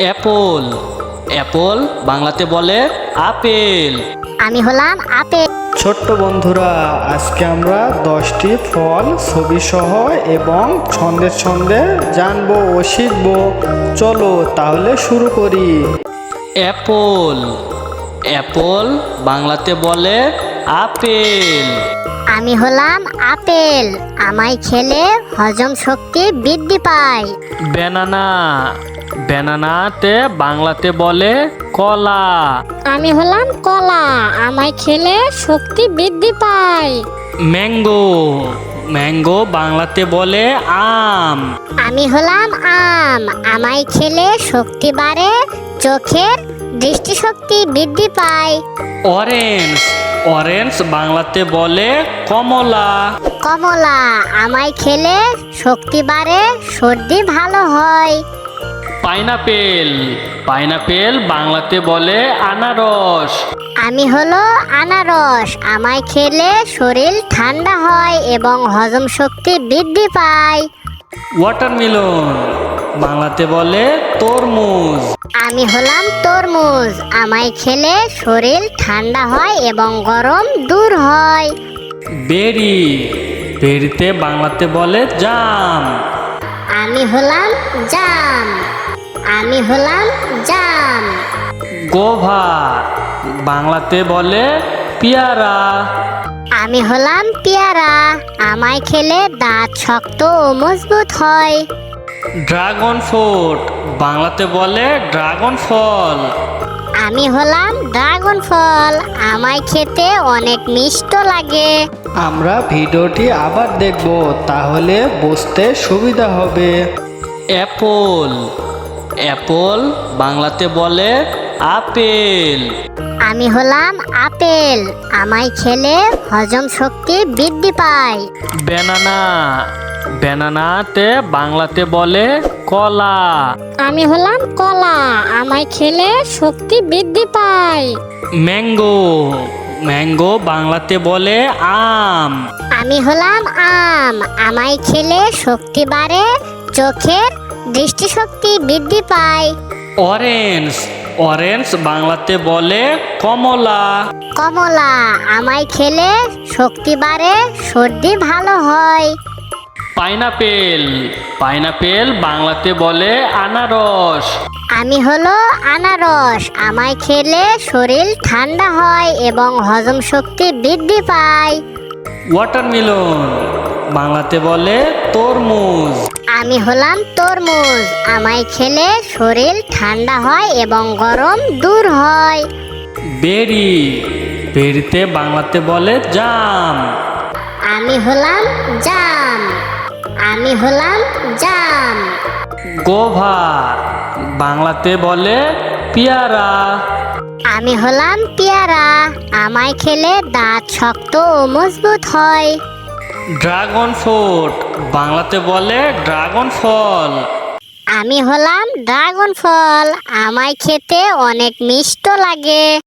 Apple. Apple বাংলাতে বলে apple. আমি হলাম আপেল। ছোট্ট বন্ধুরা, আজকে আমরা 10টি ফল ছবি সহ এবং ছন্দে ছন্দে জানবো ও শিখবো। চলো তাহলে শুরু করি। অ্যাপল। অ্যাপল বাংলাতে বলে আপেল। আমি হলাম আপেল। আমায় খেলে হজম শক্তি বৃদ্ধি পায়। ব্যানানা। ব্যানানাতে বাংলাতে বলে কলা। আমি হলাম কলা। আমায় খেলে শক্তি বৃদ্ধি পায়। ম্যাঙ্গো। ম্যাঙ্গো বাংলাতে বলে আম। আমি হলাম আম। আমায় খেলে শক্তি বাড়ে, চোখের দৃষ্টিশক্তি বৃদ্ধি পায়। অরেঞ্জ। অরেঞ্জ বাংলাতে বলে কমলা। কমলা। আমায় খেলে শক্তি বাড়ে, সর্দি ভালো হয়। পাইনাপেল। পাইনাপেল বাংলাতে বলে আনারস। আমি হলো আনারস। আমায় খেলে শরীর ঠান্ডা হয় এবং হজম শক্তি বৃদ্ধি পায়। ওয়াটারমেলন বাংলাতে বলে তরমুজ। আমি হলাম তরমুজ। আমায় খেলে শরীর ঠান্ডা হয় এবং গরম দূর হয়। বেরি। বেরিতে বাংলাতে বলে জাম। আমি হলাম জাম। আমি হলাম জাম। গোভা বাংলাতে বলে পেয়ারা। আমি হলাম পেয়ারা। আমায় খেলে দাঁত শক্ত ও মজবুত হয়। ড্রাগন ফ্রুট বাংলাতে বলে ড্রাগন ফল। আমি হলাম ড্রাগন ফল। আমায় খেতে অনেক মিষ্ট লাগে। আমরা ভিডিওটি আবার দেখব, তাহলে বুঝতে সুবিধা হবে। অ্যাপল। অ্যাপল বাংলাতে বলে আপেল। আমি হলাম আপেল। আমায় খেলে হজম শক্তি বৃদ্ধি পায়। ব্যানানা। ব্যানানাতে বাংলাতে বলে কলা। আমি হলাম কলা। আমায় খেলে শক্তি বৃদ্ধি পায়। ম্যাঙ্গো। ম্যাঙ্গো বাংলাতে বলে আম। আমি হলাম আম। আমায় খেলে শক্তি বাড়ে, চোখের দৃষ্টিশক্তি বৃদ্ধি পায়। অরেঞ্জ। অরেঞ্জ বাংলাতে বলে কমলা। কমলা। আমায় খেলে শক্তি বাড়ে, সর্দি ভালো হয়। পাইনাপেল। পাইনাপেল বাংলাতে বলে আনারস। আমি হলো আনারস। আমায় খেলে শরীর ঠান্ডা হয় এবং হজম শক্তি বৃদ্ধি পায়। ওয়াটারমেলন বাংলাতে বলে তরমুজ। আমি হলাম তরমুজ। আমায় খেলে শরীর ঠান্ডা হয় এবং গরম দূর হয়। বেরি। বেরিতে বাংলাতে বলে জাম। আমি হলাম জাম। আমি হলাম জাম। গোভা বাংলাতে বলে পেয়ারা। আমি হলাম পেয়ারা। আমায় খেলে দাঁত শক্ত ও মজবুত হয়। ড্রাগন ফ্রুট বাংলাতে বলে ড্রাগন ফল। আমি হলাম ড্রাগন ফল। আমায় খেতে অনেক মিষ্ট লাগে।